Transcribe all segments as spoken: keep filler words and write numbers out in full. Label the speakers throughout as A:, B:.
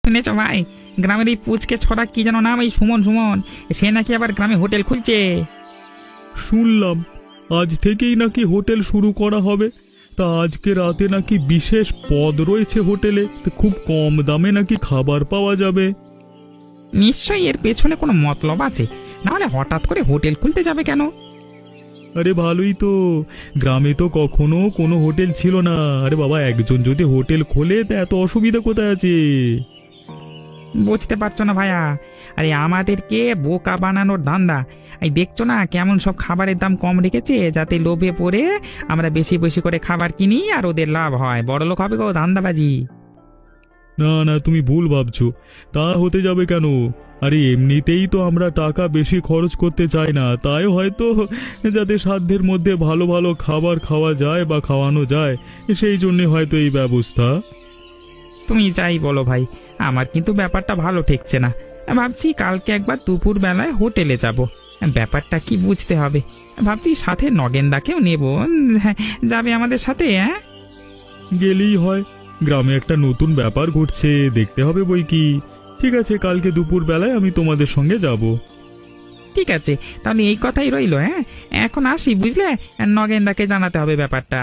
A: শুনেছ ভাই, গ্রামের এই পুচকে ছড়া কি যেন নাম, এই সুমন সুমন, সে নাকি আবার গ্রামে হোটেল খুলছে।
B: শুনলাম আজ থেকেই নাকি হোটেল শুরু করা হবে। তা আজকে রাতে নাকি বিশেষ পদ রয়েছে হোটেলে, তো খুব কম দামে নাকি খাবার পাওয়া যাবে।
A: নিশ্চয়ই এর পেছনে কোনো মতলব আছে, নাহলে হঠাৎ করে হোটেল খুলতে যাবে কেন?
B: আরে ভালোই তো, গ্রামে তো কখনো কোনো হোটেল ছিল না। আরে বাবা, একজন যদি হোটেল খোলে তা এত অসুবিধা কোথায় আছে?
A: বুঝতে পারছো না ভাইয়া, আরে আমাদেরকে বোকা বানানোর ধান্দা। এই দেখছো না কেমন সব খাবারের দাম কম রেখেছে, যাতে লোভে পড়ে আমরা বেশি বেশি করে খাবার কিনি আর ওদের লাভ হয়, বড়লোক হবে গো, ধান্দাবাজি।
B: না না, তুমি ভুল ভাবছো। তা হতে যাবে কেন? আরে এমনিতেই তো আমরা টাকা বেশি খরচ করতে চাই না, তাই হয়তো যাতে সাধ্যের মধ্যে ভালো ভালো খাবার খাওয়া যায় বা খাওয়ানো যায়, সেই জন্যে হয়তো এই ব্যবস্থা।
A: তুমি যাই বলো ভাই, আমার কিন্তু ব্যাপারটা ভালো ঠেকছে না। ভাবছি কালকে একবার দুপুর বেলায় হোটেলে যাব, ব্যাপারটা কি বুঝতে হবে। ভাবছি সাথে নগেনদাকেও নেব, হ্যাঁ, যাবে আমাদের সাথে? হ্যাঁ,
B: গেলেই হয়, গ্রামে একটা নতুন ব্যাপার ঘটছে, দেখতে হবে বই কি। ঠিক আছে, কালকে দুপুর বেলায় আমি তোমাদের সঙ্গে যাব।
A: ঠিক আছে, তাহলে এই কথাই রইলো। হ্যাঁ, এখন আসি, বুঝলে, নগেনদাকে জানাতে হবে ব্যাপারটা।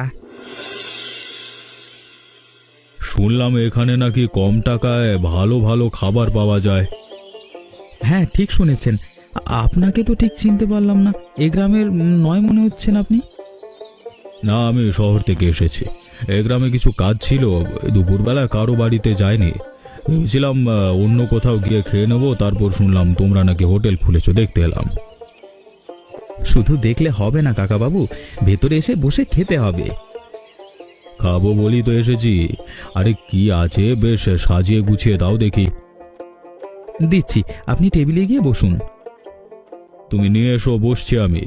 B: শুনলাম এখানে নাকি কম টাকায় ভালো ভালো খাবার পাওয়া যায়।
C: হ্যাঁ, ঠিক শুনেছেন। আপনাকে তো ঠিক চিনতে পারলাম না, এ গ্রামের নয় মনে হচ্ছেন আপনি।
B: না, আমি শহর থেকে এসেছি। এ গ্রামে কিছু কাজ ছিল, দুপুরবেলা কারো বাড়িতে যায়নি। ভেবেছিলাম আহ, অন্য কোথাও গিয়ে খেয়ে নেবো, তারপর শুনলাম তোমরা নাকি হোটেল খুলেছো, দেখতে এলাম।
C: শুধু দেখলে হবে না কাকাবাবু, ভেতরে এসে বসে খেতে হবে।
B: খাবো বলি তো এসেছি। আরে কি আছে, বেশ সাজিয়ে গুছিয়ে দাও দেখি।
C: দিচ্ছি, আপনি টেবিলে গিয়ে বসুন।
B: তুমি নিয়ে এসো, বসছি আমি।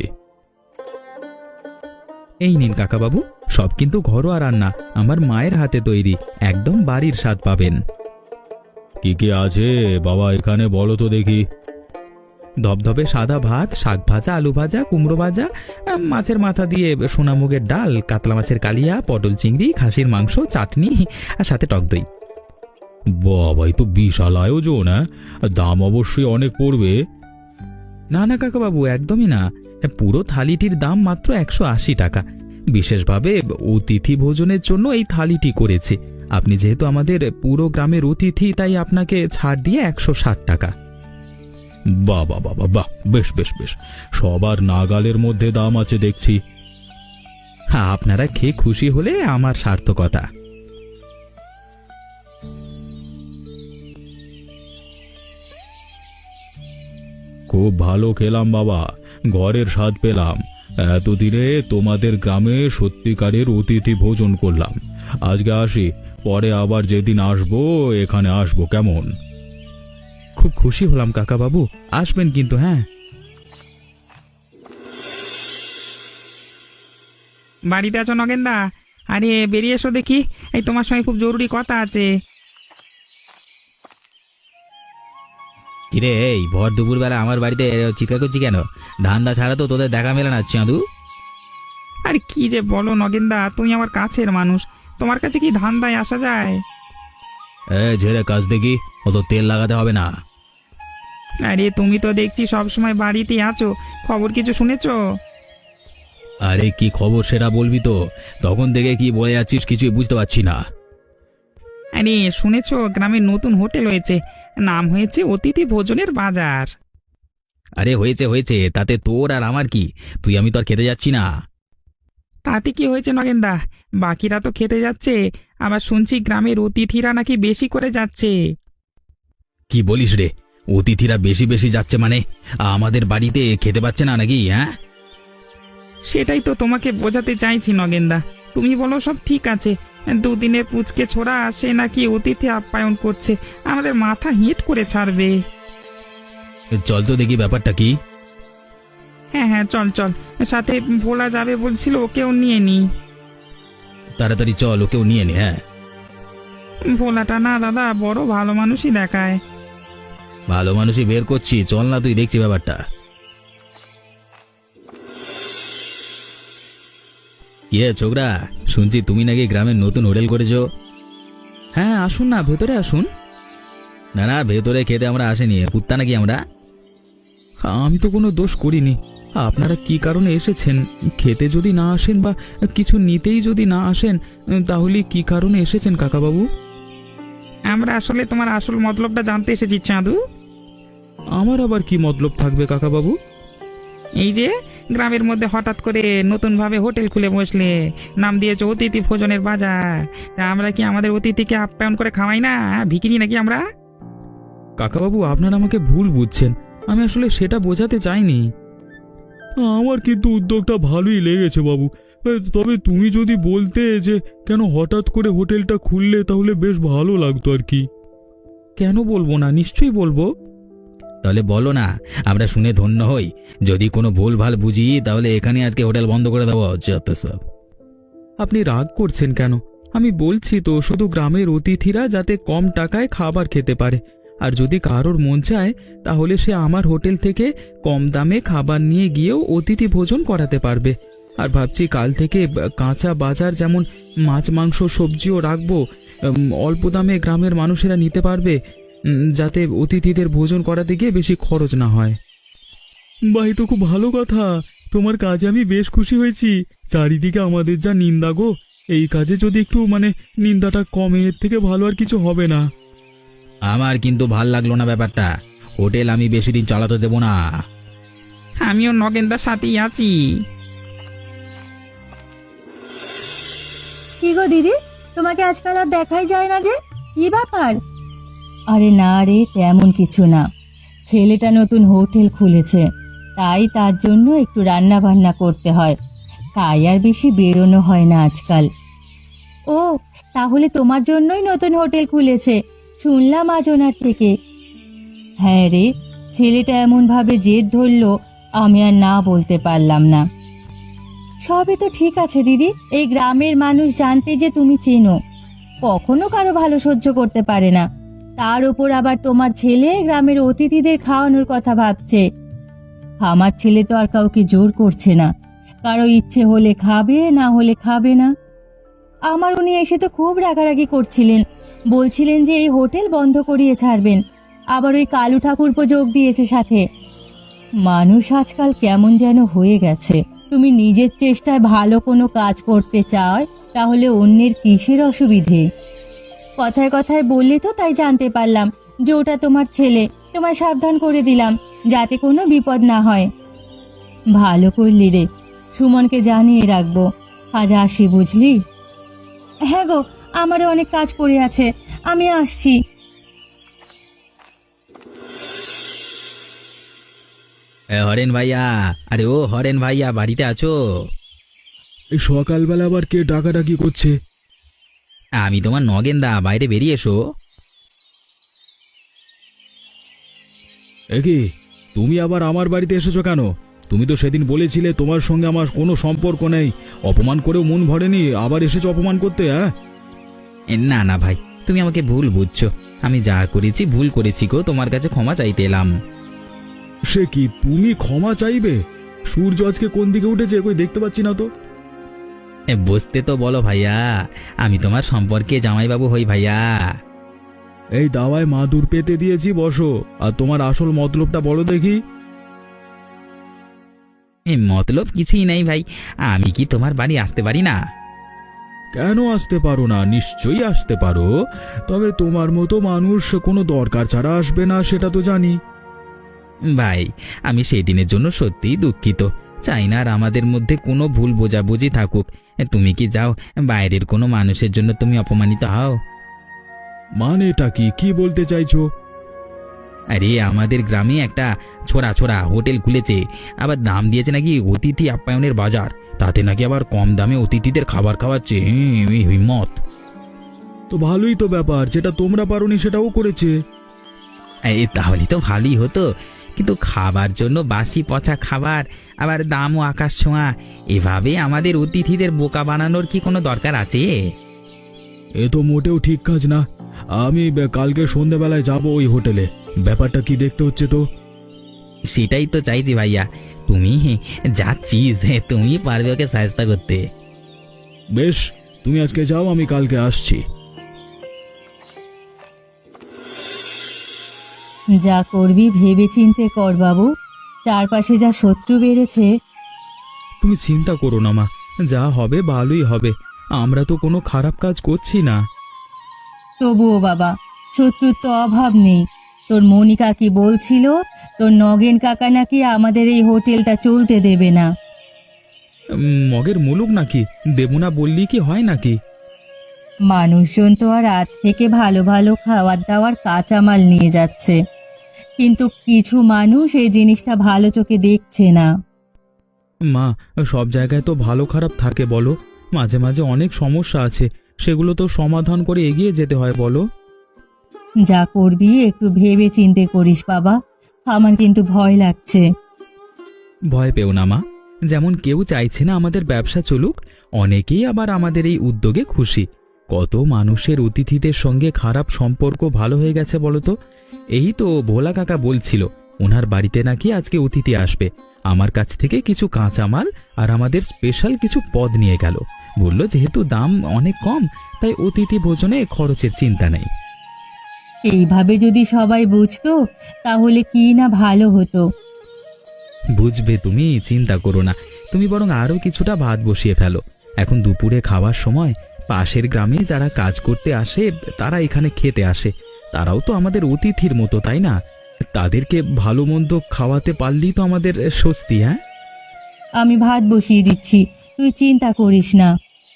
C: এই নিন কাকাবাবু, সব কিন্তু ঘরোয়া রান্না, আমার মায়ের হাতে তৈরি, একদম বাড়ির স্বাদ পাবেন।
B: কি কি আছে বাবা এখানে, বলো তো দেখি।
C: ধবধবে সাদা ভাত, শাক ভাজা, আলু ভাজা, কুমড়ো ভাজা, আহ, মাছের মাথা দিয়ে সোনামুগের ডাল, কাতলা মাছের কালিয়া, পটল চিংড়ি, খাসির মাংস, চাটনি আর সাথে টক দই।
B: বাবা, এই তো বিশাল আয়োজন। হ্যাঁ, দাম অবশ্যই অনেক পড়বে।
C: না না কাকাবাবু, একদমই না, পুরো থালিটির দাম মাত্র একশো আশি টাকা। বিশেষভাবে অতিথি ভোজনের জন্য এই থালিটি করেছে। আপনি যেহেতু আমাদের পুরো গ্রামের অতিথি, তাই আপনাকে ছাড় দিয়ে একশো ষাট টাকা।
B: বাহ বাহ বাহ বাহ, বেশ বেশ বেশ, সবার নাগালের মধ্যে দাম আছে দেখছি।
C: হ্যাঁ, আপনারা খেয়ে খুশি হলে আমার সার্থকতা।
B: খুব ভালো খেলাম বাবা, ঘরের স্বাদ পেলাম। এতদিনে তোমাদের গ্রামে সত্যিকারের অতিথি ভোজন করলাম। আজকে আসি, পরে আবার যেদিন আসবো এখানে আসবো, কেমন?
C: খুব খুশি হলাম কাকাবাবু, আসবেন কিন্তু। হ্যাঁ,
A: বাড়িতে আছো নগেনদা? আরে বেরিয়ে এসো দেখি, এই তোমার সঙ্গে খুব জরুরি কথা আছে।
C: কিরে, এই ভর দুপুর বেলা আমার বাড়িতে চিৎকার করছি কেন? ধান্দা ছাড়া তো তোদের দেখা মেলে না চাঁদু।
A: আরে কি যে বলো নগেনদা, তুমি আমার কাছের মানুষ, তোমার কাছে কি ধান্দায় আসা যায়?
B: এ ঝেড়ে কাজ দেখি, অত তেল লাগাতে হবে না।
A: আরে তুমি তো দেখছি সবসময় বাড়িতেই আছো, খবর কিছু শুনেছো?
B: আরে কি খবর সেটা বলবি তো, তখন থেকে কি বলে যাচ্ছিস কিছুই বুঝতে পারছি না।
A: আরে শুনেছো, গ্রামে নতুন হোটেল হয়েছে, নাম হয়েছে অতিথি ভোজনের বাজার।
C: আরে হয়েছে হয়েছে, তাতে তোর আর আমার কি? তুই আমি তো আর খেতে যাচ্ছি না।
A: তাতে কি হয়েছে নগেনদা, বাকিরা তো খেতে যাচ্ছে, আবার শুনছি গ্রামের অতিথিরা নাকি বেশি করে যাচ্ছে।
C: কি বলিস রে? অতিথিরা বেশি বেশি যাচ্ছে মানে আমাদের বাড়িতে খেতে পাচ্ছে না নাকি? হ্যাঁ,
A: সেটাই তো তোমাকে বোঝাতে চাইছি নগেনদা, তুমি বলো সব ঠিক আছে, দুদিনের পুচকে ছোড়া সে নাকি অতিথি আপ্যায়ন করছে, আমাদের মাথা হিট করে ছাড়বে।
C: চল তো দেখি ব্যাপারটা কি।
A: হ্যাঁ হ্যাঁ, চল চল, সাথে ভোলা যাবে বলছিল, ওকেও নিয়ে নি।
C: তাড়াতাড়ি চল, ওকেও নিয়ে নে। হ্যাঁ,
A: ভোলাটা না দাদা বড় ভালো মানুষই দেখায়।
C: ভালো মানুষই বের করছি, চল না, তুই দেখছি ব্যাপারটা। ইয়ে ছোকরা, শুনছি তুমি নাকি গ্রামের নতুন হোটেল করেছো। হ্যাঁ, আসুন না, ভেতরে আসুন। না না, ভেতরে খেতে আমরা আসেনি, কুত্তা নাকি আমরা?
B: আমি তো কোনো দোষ করিনি। আপনারা কি কারণে এসেছেন? খেতে যদি না আসেন বা কিছু নিতেই যদি না আসেন, তাহলে কি কারণে এসেছেন কাকাবাবু?
A: আমরা আসলে তোমার আসল মতলবটা জানতে এসেছি চাঁদু।
B: আমার আবার কি মতলব থাকবে কাকাবাবু?
A: এই যে গ্রামের মধ্যে হঠাৎ করে নতুনভাবে হোটেল খুলে বসলে, নাম দিয়েছো অতিথি ভোজনের বাজার। তা আমরা কি আমাদের অতিথিকে আপ্যায়ন করে খাওয়াই না? ভিখিরি নাকি আমরা?
B: কাকাবাবু, আপনারা আমাকে ভুল বুঝছেন। আমি আসলে সেটা বোঝাতে চাইনি। আমার কিন্তু উদ্যোগটা ভালোই লেগেছে বাবু। তবে তুমি যদি বলতে যে কেন হঠাৎ করে হোটেলটা খুললে, তাহলে বেশ ভালো লাগতো আর কি। কেন বলবো না, নিশ্চয়ই বলবো।
C: তাহলে বলো না, আমরা শুনে ধন্য হই। যদি কোনো ভুল ভাল বুঝি তাহলে এখানে আজকে হোটেল বন্ধ করে দেবো। যত সব।
B: আপনি রাগ করছেন কেন? আমি বলছি তো, শুধু গ্রামের অতিথিরা যাতে কম টাকায় খাবার খেতে পারে। আর যদি কারোর মন চায় তাহলে সে আমার হোটেল থেকে কম দামে খাবার নিয়ে গিয়েও অতিথি ভোজন করাতে পারবে। আর ভাবছি কাল থেকে কাঁচা বাজার, যেমন মাছ মাংস সবজিও রাখবো। অল্প দামে গ্রামের মানুষেরা নিতে পারবে, যাতে অতিথিদের ভোজন করাতে গিয়ে বেশি খরচ না হয়। ভাই, তো খুব ভালো কথা। তোমার কাজে আমি বেশ খুশি হয়েছি। চারিদিকে আমাদের যা নিন্দা গো, এই কাজে যদি একটু মানে নিন্দাটা কমে, এর থেকে ভালো আর কিছু হবে না।
C: আমার কিন্তু ভাল লাগলো না ব্যাপারটা। হোটেল আমি বেশি দিন চালাতে দেবো না।
A: আমিও নগেনদার সাথেই আছি।
D: কি গো দিদি, তোমাকে আজকাল আর দেখাই যায় না যে, কি ব্যাপার? আরে না রে, তেমন কিছু না। ছেলেটা নতুন হোটেল খুলেছে, তাই তার জন্য একটু রান্না বান্না করতে হয়, তাই আর বেশি বেরোনো হয় না আজকাল। ও, তাহলে তোমার জন্যই নতুন হোটেল খুলেছে, শুনলাম আজ ওনার থেকে। হ্যাঁ রে, ছেলেটা এমন ভাবে জেদ ধরলো, আমি আর না বলতে পারলাম না। সবই তো ঠিক আছে দিদি, এই গ্রামের মানুষ জানতে যে তুমি চেনো, কখনো কারো ভালো সহ্য করতে পারে না। তার উপর আবার তোমার ছেলে গ্রামের অতিথিদের খাওয়ানোর কথা ভাবছে। আমার ছেলে তো আর কাউকে জোর করছে না, কারো ইচ্ছে হলে খাবে, না হলে খাবে না। আমার উনি এসে তো খুব রাগারাগি করছিলেন, বলছিলেন যে এই হোটেল বন্ধ করিয়ে ছাড়বেন। আবার ওই কালু ঠাকুরপো যোগ দিয়েছে সাথে। মানুষ আজকাল কেমন যেন হয়ে গেছে। তুমি নিজের চেষ্টায় ভালো কোনো কাজ করতে চাও, তাহলে অন্যের কিসের অসুবিধে? কথায় কথায় বললে তো তাই জানতে পারলাম যে ওটা তোমার ছেলে। তোমায় সাবধান করে দিলাম যাতে কোনো বিপদ না হয়। ভালো করলি রে, সুমনকে জানিয়ে রাখবো। আজ আসি, বুঝলি? হ্যাঁ গো, আমারও অনেক কাজ পড়ে আছে, আমি আসছি।
C: এ হরেন ভাইয়া, আরে ও হরেন ভাইয়া, বাড়িতে আছো?
B: এই সকালবেলা আবার কে ডাকাডাকি করছে?
C: আমি তোমার নগেনদা, বাইরে বেরিয়ে এসো।
B: একি, তুমি আবার আমার বাড়িতে এসেছো কেন? তুমি তো সেদিন বলেছিলে তোমার সঙ্গে আমার কোনো সম্পর্ক নেই, অপমান করেও মন ভরেনি, আবার এসেছো অপমান করতে? হ্যাঁ,
C: এ, না না ভাই, তুমি আমাকে ভুল বুঝছো। আমি যা করেছি ভুল করেছি গো, তোমার কাছে ক্ষমা চাইতে এলাম।
B: সে কি, তুমি ক্ষমা চাইবে? সূর্য আজকে কোন দিকে উঠেছে কই দেখতে পাচ্ছি না তো।
C: এ, বুঝতে তো বলো ভাইয়া, আমি তোমার সম্পর্কে জামাইবাবু হই ভাইয়া।
B: এই দাওয়ায় মাদুর পেতে দিয়েছি, বসো। আর তোমার আসল মতলবটা বলো দেখি।
C: এই মতলব কিছুই নাই ভাই, আমি কি তোমার বাড়ি আসতে পারি না?
B: কেন আসতে পারো না? নিশ্চয়ই আসতে পারো, তবে তোমার মতো মানুষ কোনো দরকার ছাড়া আসবে না, সেটা তো জানি।
C: ভাই, আমি সেই দিনের জন্য সত্যিই দুঃখিত। চাই না আর আমাদের মধ্যে কোনো ভুল বোঝাবুঝি থাকুক। তুমি কি যাও বাইরের কোনো মানুষের জন্য তুমি অপমানিত হও?
B: মানেটা কি, কি বলতে চাইছো?
C: আরে আমাদের গ্রামে একটা ছোড়া ছোড়া হোটেল খুলেছে, আবার দাম দিয়েছে নাকি অতিথি আপ্যায়নের বাজার, তাতে নাকি আবার কম দামে অতিথিদের খাবার খাওয়াচ্ছে। হুম, এই হিম্মত!
B: তো ভালোই তো ব্যাপার, যেটা তোমরা পারোনি সেটাও করেছে।
C: এই তাহলে তো ভালোই হতো, কিন্তু খাবার জন্য বাসি পচা খাবার, আবার দামও আকাশ ছোঁয়া, এভাবে আমাদের অতিথিদের বোকা বানানোর কি কোনো দরকার আছে?
B: এ তো মোটেও ঠিক কাজ না। আমি বে- কালকে সন্ধ্যাবেলায় যাব ওই হোটেলে, ব্যাপারটা কি দেখতে হচ্ছে তো।
C: সেটাই তো চাইছি ভাইয়া, তুমি যাচ্ছিস, তুমি পারবে ওকে সাহায্য করতে।
B: বেশ, তুমি আজকে যাও, আমি কালকে আসছি।
D: যা করবি ভেবে চিন্তে কর বাবু, চারপাশে যা শত্রু বেড়েছে।
C: তুমি চিন্তা করো না মা, যা হবে ভালোই হবে। আমরা তো কোনো খারাপ কাজ করছি না।
D: তবুও বাবা, শত্রুর তো অভাব নেই। তোর মনিকা কি বলছিল, তোর নগেন কাকা নাকি আমাদের এই হোটেলটা চলতে দেবে না।
C: উম, মগের মুলুক নাকি? দেবো না বললি কি হয় নাকি?
D: মানুষজন তো আর আজ থেকে ভালো ভালো খাবার দাবার কাঁচামাল নিয়ে যাচ্ছে, কিন্তু কিছু মানুষ এই জিনিসটা ভালো চোখে দেখছে না।
C: মা, সব জায়গায় তো ভালো খারাপ থাকে বলো। মাঝে মাঝে অনেক সমস্যা আছে, সেগুলো তো সমাধান করে এগিয়ে যেতে হয় বলো।
D: যা করবি একটু ভেবে চিন্তে করিস বাবা, আমার কিন্তু ভয় লাগছে।
C: ভয় পেও না মা, যেমন কেউ চাইছে না আমাদের ব্যবসা চলুক, অনেকেই আবার আমাদের এই উদ্যোগে খুশি। কত মানুষের অতিথিদের সঙ্গে খারাপ সম্পর্ক ভালো হয়ে গেছে বলো তো। এই তো ভোলা কাকা বলছিল ওনার বাড়িতে নাকি আজকে অতিথি আসবে, আমার কাছ থেকে কিছু কাঁচামাল আর আমাদের স্পেশাল কিছু পদ নিয়ে গেল। বলল যেহেতু দাম অনেক কম, তাই অতিথি ভোজনে খরচের চিন্তা নেই।
D: এইভাবে যদি সবাই বুঝতো তাহলে কি না ভালো হতো।
C: বুঝবে তুমি, চিন্তা করো না। তুমি বরং আরও কিছুটা ভাত বসিয়ে ফেলো। এখন দুপুরে খাওয়ার সময় পাশের গ্রামে যারা কাজ করতে আসে তারা এখানে খেতে আসে, তারাও তো আমাদের অতিথির মতো, তাই না? তাদেরকে ভালো মন্দ খাওয়াতে পারলেই তো আমাদের স্বস্তি। হ্যাঁ,
D: আমি ভাত বসিয়ে দিচ্ছি, তুই চিন্তা করিস না।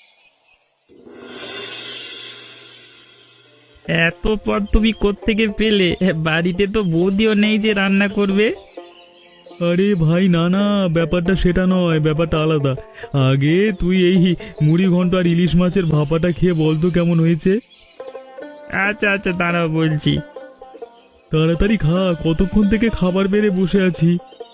A: এত পদ তুমি কোত্থেকে পেলে? বাড়িতে তো বৌদিও নেই যে রান্না করবে।
B: আরে ভাই, না না, ব্যাপারটা সেটা নয়, ব্যাপারটা আলাদা। আগে তুই এই মুড়ি ঘন্ট আর ইলিশ মাছের ভাপাটা খেয়ে বলতো কেমন হয়েছে।
A: আচ্ছা আচ্ছা, দাঁড়াও বলছি।
B: তাড়াতাড়ি খা, কতক্ষণ থেকে খাবার বেড়ে বসে আছি।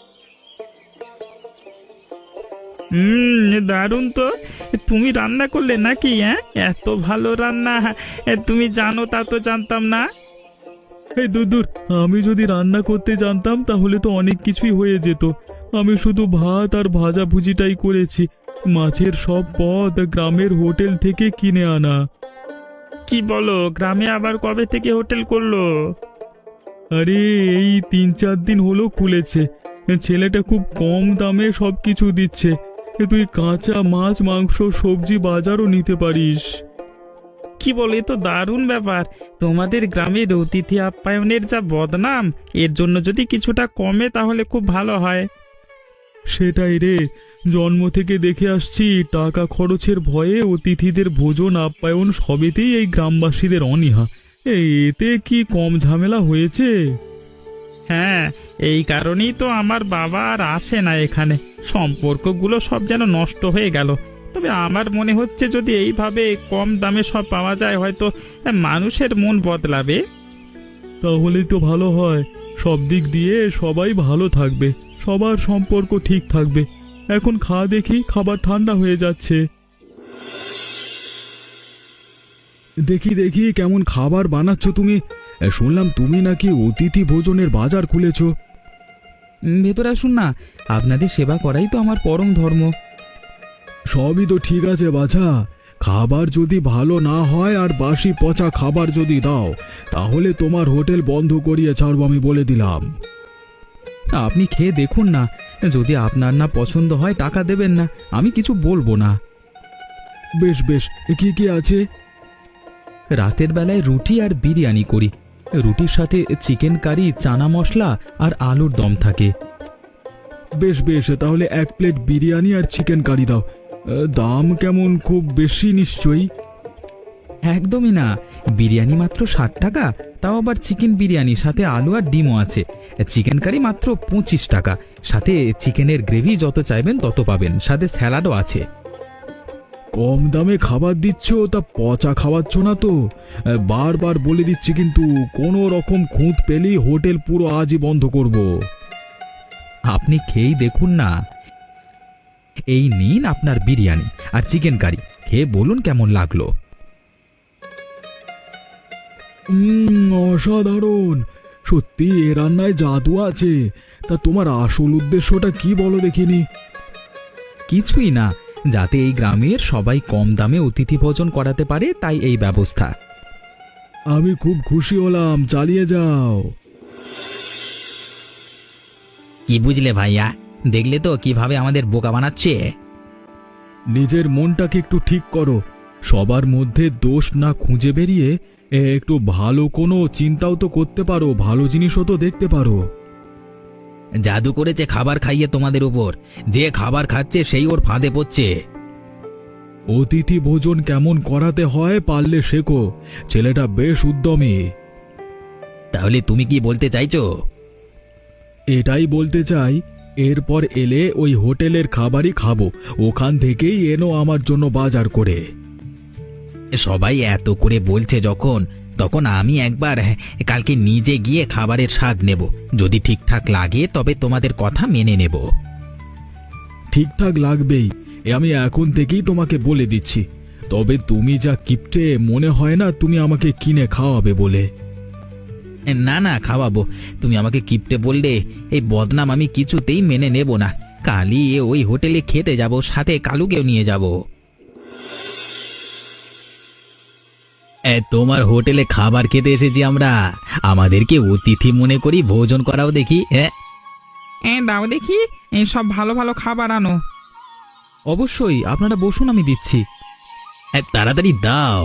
A: হুম, দারুণ তো। তুমি রান্না করলে নাকি? হ্যাঁ, এত ভালো রান্না তুমি জানো তা তো জানতাম না।
B: এই দূর দূর, আমি যদি রান্না করতে জানতাম তাহলে তো অনেক কিছুই হয়ে যেত। আমি শুধু ভাত আর ভাজা ভুজিটাই করেছি। মাছের সব পদ গ্রামের হোটেল থেকে কিনে আনা।
A: কি বলো, গ্রামে আবার কবে থেকে হোটেল করলো?
B: আরে এই তিন চার দিন হলো খুলেছে। ছেলেটা খুব কম দামে সব কিছু দিচ্ছে। তুই কাঁচা মাছ, মাংস, সবজি বাজারও নিতে পারিস।
A: কি বলো, এ তো দারুণ ব্যাপার। তোমাদের গ্রামের অতিথি আপ্যায়নের যা বদনাম, এর জন্য যদি কিছুটা কমে তাহলে খুব ভালো হয়।
B: সেটাই রে, জন্ম থেকে দেখে আসছি টাকা খরচের ভয়ে অতিথিদের ভোজন আপ্যায়ন সবেতেই এই গ্রামবাসীদের অনীহা। এই এতে কি কম ঝামেলা হয়েছে?
A: হ্যাঁ, এই কারণেই তো আমার বাবা আর আসে না এখানে। সম্পর্কগুলো সব যেন নষ্ট হয়ে গেল। তবে আমার মনে হচ্ছে যদি এইভাবে কম দামে সব পাওয়া যায়, হয়তো মানুষের মন বদলাবে।
B: তাহলেই তো ভালো হয়, সব দিক দিয়ে সবাই ভালো থাকবে, সবার সম্পর্ক ঠিক থাকবে। এখন খা দেখি, খাবার ঠান্ডা হয়ে যাচ্ছে। দেখি দেখি কেমন খাবার বানাচ্ছ তুমি। শুনলাম তুমি নাকি অতিথি ভোজনের বাজার খুলেছ।
C: উম, ভেতরে আসুন না, আপনাদের সেবা করাই তো আমার পরম ধর্ম।
B: সবই তো ঠিক আছে বাছা, খাবার যদি ভালো না হয় আর বাসি পচা খাবার যদি দাও, তাহলে তোমার হোটেল বন্ধ করিয়ে ছাড়বো, আমি বলে দিলাম।
C: আপনি খেয়ে দেখুন না, যদি আপনার না পছন্দ হয় টাকা দেবেন না, আমি কিছু বলবো না।
B: বেশ বেশ, কি কি আছে?
C: রাতের বেলায় রুটি আর বিরিয়ানি করি। রুটির সাথে চিকেন কারি, চানা মশলা আর আলুর দম থাকে।
B: বেশ বেশ, তাহলে এক প্লেট বিরিয়ানি আর চিকেন কারি দাও। দাম কেমন, খুব বেশি নিশ্চয়ই?
C: একদমই না, বিরিয়ানি মাত্র ষাট টাকা, তাও আবার চিকেন বিরিয়ানি, সাথে আলু আর ডিমও আছে। চিকেন কারি মাত্র পঁচিশ টাকা, সাথে চিকেনের গ্রেভি যত চাইবেন তত পাবেন, সাথে স্যালাডও আছে।
B: কম দামে খাবার দিচ্ছ, তা পচা খাওয়াচ্ছ না তো? বারবার বলে দিচ্ছি কিন্তু, কোনো রকম খুঁত পেলেই হোটেল পুরো আজই বন্ধ করব।
C: আপনি খেয়েই দেখুন না। এই নিন আপনার বিরিয়ানি আর চিকেন কারি, খেয়ে বলুন কেমন লাগলো।
B: হুম, অসাধারণ। সত্যি এ রান্নায় জাদু আছে। তা তোমার আসল উদ্দেশ্যটা কি বলো দেখিনি?
C: কিছুই না, যাতে এই গ্রামের সবাই কম দামে অতিথি ভোজন করাতে পারে, তাই এই ব্যবস্থা।
B: আমি খুব খুশি হলাম, চালিয়ে যাও।
C: কি বুঝলে ভাইয়া, দেখলে তো কিভাবে আমাদের বোকা বানাচ্ছে।
B: নিজের মনটাকে একটু ঠিক করো। সবার মধ্যে দোষ না খুঁজে বেরিয়ে এ, একটু ভালো কোনো চিন্তাও তো করতে পারো, ভালো জিনিসও তো দেখতে পারো।
C: জাদু করেছে খাবার খাইয়ে তোমাদের উপর, যে খাবার খাচ্ছে সেই ওর ফাঁদে পড়ছে।
B: অতিথি ভোজন কেমন করাতে হয় পারলে শেখো। ছেলেটা বেশ উদ্যমী।
C: তাহলে তুমি কি বলতে চাইছো?
B: এটাই বলতে চাই, এরপর এলে ওই হোটেলের খাবারই খাবো, ওখান থেকেই এনো আমার জন্য বাজার করে।
C: সবাই এত করে বলছে যখন, তখন আমি একবার হ্যাঁ, কালকে নিজে গিয়ে খাবারের স্বাদ নেব। যদি ঠিকঠাক লাগে তবে তোমাদের কথা মেনে নেব।
B: ঠিকঠাক লাগবেই, এ আমি এখন থেকেই তোমাকে বলে দিচ্ছি। তবে তুমি যা কিপটে, মনে হয় না তুমি আমাকে কিনে খাওয়াবে বলে।
C: না না, খাওয়াবো। তুমি আমাকে কিপটে বললে এই বদনাম আমি কিছুতেই মেনে নেব না। কালই ওই হোটেলে খেতে যাব, সাথে কালুকেও নিয়ে যাব। তোমার হোটেলে খাবার খেতে এসেছি আমরা, আমাদেরকে অতিথি মনে করি, ভোজন করাও দেখি। হ্যাঁ
A: এ দাও দেখি, এই সব ভালো ভালো খাবার আনো।
C: অবশ্যই, আপনারা বসুন, আমি দিচ্ছি। তাড়াতাড়ি দাও।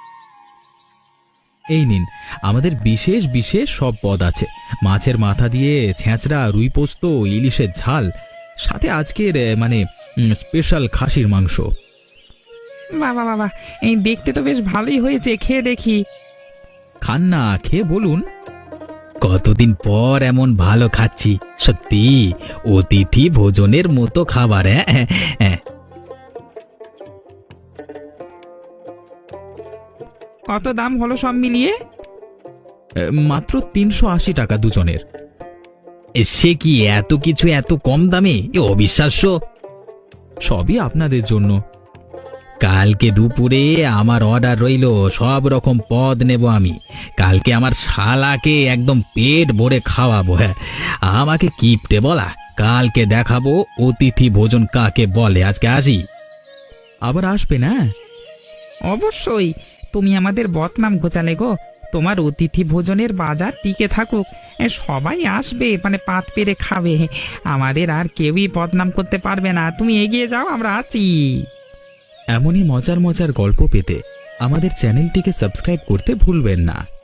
C: এই নিন, আমাদের বিশেষ বিশেষ সব পদ আছে। মাছের মাথা দিয়ে ছেঁচড়া, রুই পোস্ত, ইলিশের ঝাল, সাথে আজকের এ, মানে উম, স্পেশাল খাসির মাংস।
A: বাবা বাবা, এই দেখতে তো বেশ ভালোই হয়েছে, খেয়ে দেখি।
C: খান না, খেয়ে বলুন। কতদিন পর এমন ভালো খাচ্ছি, সত্যি অতিথি ভোজনের মতো খাবার। হ্যাঁ হ্যাঁ।
A: কত দাম হলো সব মিলিয়ে?
C: এ, মাত্র তিনশো আশি টাকা দুজনের। এ, সে কি এত কিছু এত কম দামে? এ অবিশ্বাস্য। সবই আপনাদের জন্য। কালকে দুপুরে আমার অর্ডার রইল, সব রকম পদ নেব আমি। কালকে আমার শালাকে একদম পেট ভরে খাওয়াবো। হ্যাঁ, আমাকে কিপটে বলা, কালকে দেখাবো অতিথি ভোজন কাকে বলে। আজকে আসি। আবার আসবে না?
A: অবশ্যই, তুমি আমাদের বদনাম ঘোচালে গো। তোমার অতিথি ভোজনের বাজার টিকে থাকুক, এ, সবাই আসবে, মানে পাত পেরে খাবে। আমাদের আর কেউই বদনাম করতে পারবে না। তুমি এগিয়ে যাও, আমরা আছি।
C: এমনই মজার মজার গল্প পেতে আমাদের চ্যানেলটিকে সাবস্ক্রাইব করতে ভুলবেন না।